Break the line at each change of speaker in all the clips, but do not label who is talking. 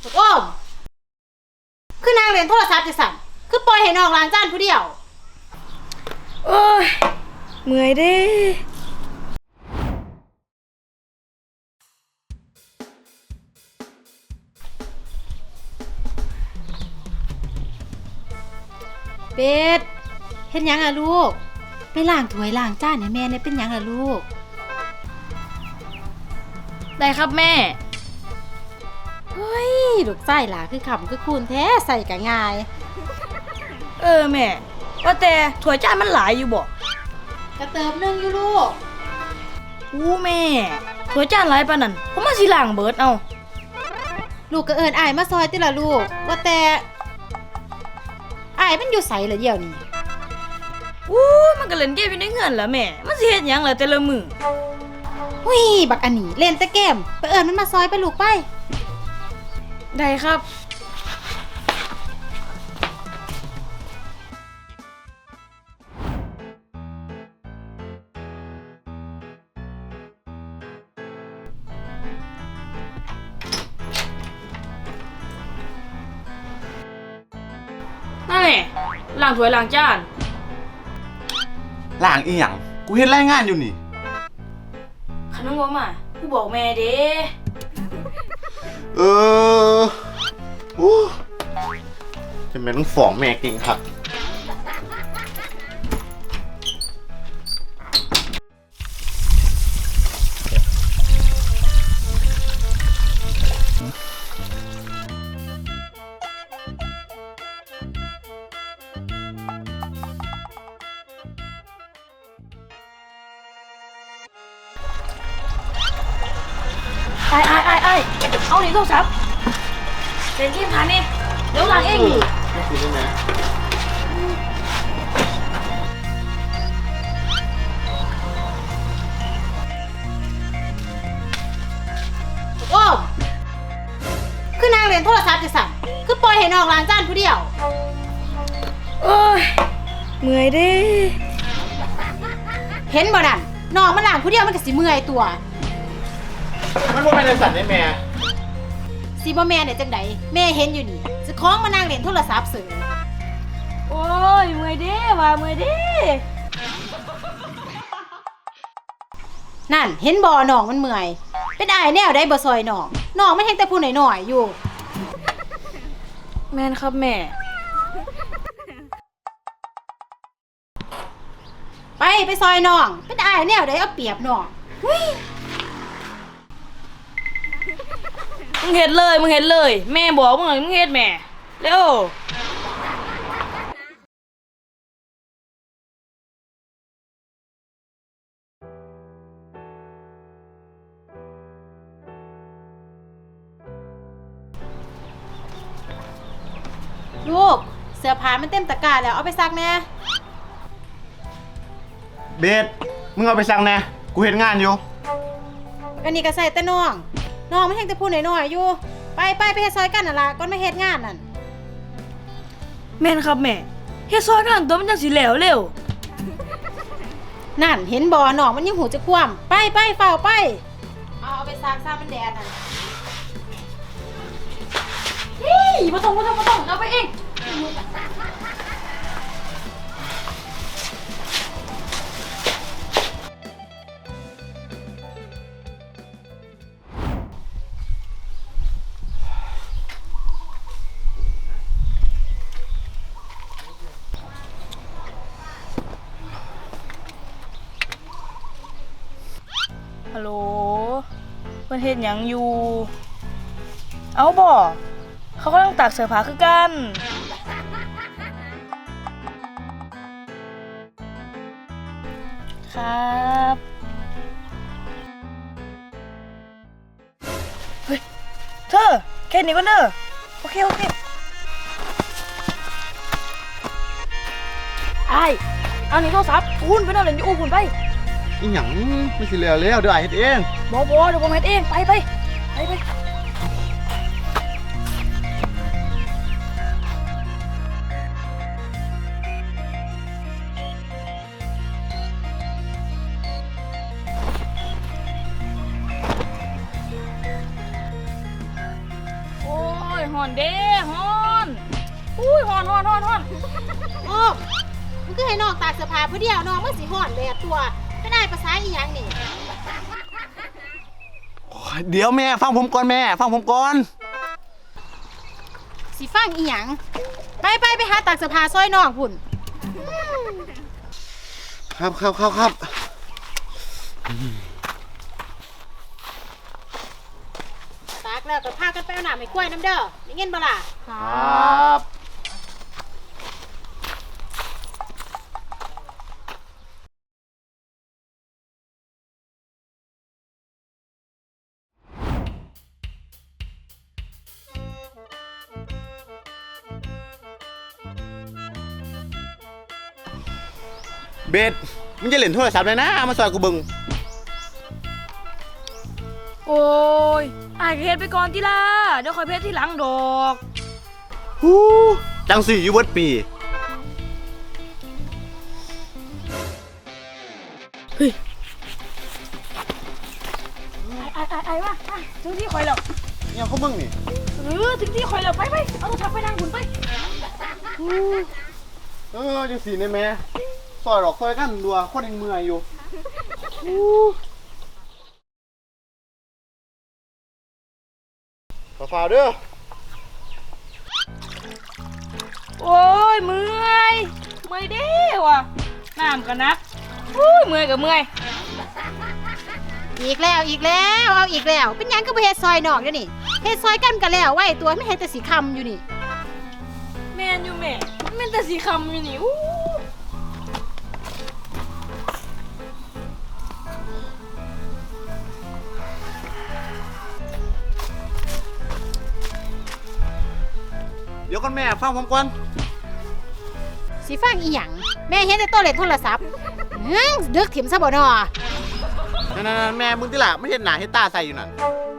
โอ้มคือนางเรียนโทรศัพท์จะสั่นคือปล่อยให้น้องล้างจานผู้เดียว
โอ้ยเมื่อยเด้
เป็ดเฮ็ดหยังอะลูกไปล้างถ้วยล้างจานให้แม่เนี่ยเป็นหยังอะลูก
ได้ครับแม่
เฮ้ยลูกไส้หล่ะคือขำคือคูณแท้ใส่กะง่าย
แม่ว่าแต่ถ้วยจานมันหลายอยู่บ่
กระเติบนึงอยู่ลูก
อู้แม่ถ้วยจานหลายปานนั้นผมมาสิล้างเบิดเอา
ลูกก็เอิ้นอ้ายมาซอยติล่ะลูกว่าแต่อ้ายมันอยู่ไสล่ะเดี๋ยวนี้
อู้มันก็เล่นเกมอยู่ในเฮือนล่ะแม่มันสิเฮ็ดหยังล่ะแต่ละมื้อ
หุ้ยบักอันนี้เล่นแต่เกมไปเอิ้นมันมาซอยไปลูกไป
ได้ครับนั่นแหละล้างถ้วยล้างจาน
ล้างอีหยังกูเฮ็ดรายงานอยู่นี่
คันมึงบ่มากูบอกแม่เด้
เออโอ้จะแม่นต้องฟ้องแม่เก่งคัก
ไอ้เอาดิโทรศัพท์เล่นเกมผ่านนี่เดี๋ยวล้างเองนี่
ไม่คิดได้ไหม
โอ้มคือนางเรียนโทรศัพท์จะสั่นคือปล่อยให้น้องล้างจานผู้เดียว
โอ้ยเมื่อยเด้
เห็นบ่นั่นน้องมันล้างผู้เดียวมันก็สิเมื่อยตัว
มันบ่แม่นสั่นได้แม่
สิบ่แม่เนี่ยจังไดแม่เห็นอยู่นี่สิคล้องมานางเล่นโทรศัพท์เสย
โอ้ยเมื่อยเด้ว่าเมื่อยเด้
นั่นเห็นบ่น้องมันเมื่อยเป็นอ้ายแนวได้บ่ซอยน้องมันเห็นแต่ผู้น้อยๆอยู่
แม่นครับแม่
ไปซอยน้องเป็นอ้ายแนวได้เอาเปรียบน้อง
มึงเฮ็ดเลยแม่บอกมึงเฮ็ดแม่เร็ว
ลูกเสื้อผ้ามันเต็มตะกร้าแล้วเอาไปซักแน่
เบสมึงเอาไปสั่งแน่กูเฮ็ดงานอยู่
อันนี้ก็ใส่แต่น้องมันเห็นแต่ผู้น้อยๆอยู่ไปเฮ็ดซอยกันนั่นล่ะก่อนมาเฮ็ดงานนั่น
แม่นครับแม่เฮ็ดซอยกันตัวมันจังสิแล้วเร็ว
นั่นเห็นบ่น้องมันยังหูจะคว่ำไปเฝ้าไปเอาไปซักซามันแดดนั่น
บ่ต้องเอาไปเองฮัลโหลเพิ่นเฮ็ดหยังอยู่เอาบ่เขากำลังตากเสื้อผ้าคือกันครับเฮ้ยเธอแค่นี้ก็เนอะโอเคไอ้เอานี่โทรศัพท์คุณไปนอนเล่นอยู่คุณไป
อีหยังไม่สิแล้วเดี๋ยวอ้ายเฮ็ดเอง
บ่เดี๋ยวผมเฮ็ดเองไปโอ้ยฮอนเด้ฮอนอุ้ยฮอน
โอ้มึงก็ให้น้องตากเสื้อผ้าผู้เดียวน้องมันสิห่อนแดดตัวไม่ได้ภาษาอีหยังนี่
เดี๋ยวแม่ฟังผมก่อนแม่ฟังผมก่อน
สิฟังอีหยังไปหาตากเสื้อผ้าซอยน้องพุ่น
ครับ
ตากแล้วก็พากันไปเอาน้ำให้กล้วยน้ำเด้อได้เงินบ่ล่ะ
ครับ เบสมึงจะเล่นโทรศัพท์เลยนะเอามาซอยกูเบึง
โอ้ยอายก็เฮ็ดไปก่อนติล่ะเดี๋ยวค่อยเพชรที่หลังดอก
ฮู้จังสี่อยู่เบิดปี
ไอ้ว่าถึงที่ข่อยแล้ว
เนี่ยเขามึงนี่
ถึงที่ข่อยแล้วไปเอาโทรศัพท์ไปนั่งหุ่นไป
จังสี่เนี่ยแม่ซอยดอกซอยกันดัวคนยังเมื่อยอยู่ฝ่าเด้อ
โอ้ยเมื่อยเด้ว่ะน้ำกันนักอุ้ยเมื่อยกับเมื่อย
อีกแล้วเอาอีกแล้วเป็นหยังก็บ่เฮ็ดซอยน้องเดี๋ยวนี้เฮ็ดซอยกันก็แล้วไว้ตัวไม่เฮ็ดแต่สิคำอยู่นี่
แม่นอยู่แม่มันเป็นแต่สีคำอยู่นี่อู้
เดี๋ยวก่อนแม่ฟังผมก่อน
สิฟังอีหยังแม่เห็นแต่ตัวเล่นโทรศัพท์ดึกถิ่มซะบ่น้อ
นั่นแม่มึงที่ล่ะไม่เห็นหน้าเห็นตาใส่อยู่นั่น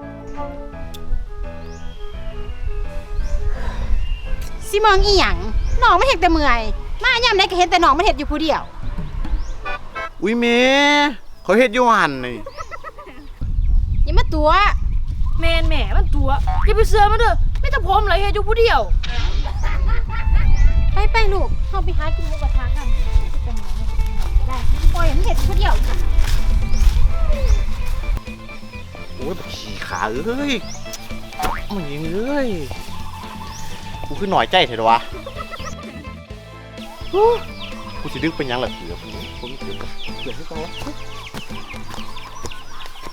สิมองอีหยังน้องมันเฮ็ดแต่เมื่อยมายามใดก็เห็นแต่น้องมันเฮ็ดอยู่ผู้เดียว
อุ้ยแม่เขาเฮ็ดอยู่หันนี่
อย่ามาตัว
แม่มันตัวอย่าไปเสือมันเด้อไม่ต้องพร้อมเลยเฮ็ดอยู่ผู้เดียว
ไปลูกเฮาไปหากินหมูกระทะกันจะเป็นหยังไงก็ได้ปล่อยให้มันเฮ็ดผู้เดียว
โอ้ยขี่ขาเอ้ยมันยิงเอ้ยกูคือหน่อยใจเถอะวะกูสิดึกเป็นยังล่ะเสือผมเสือให้เขา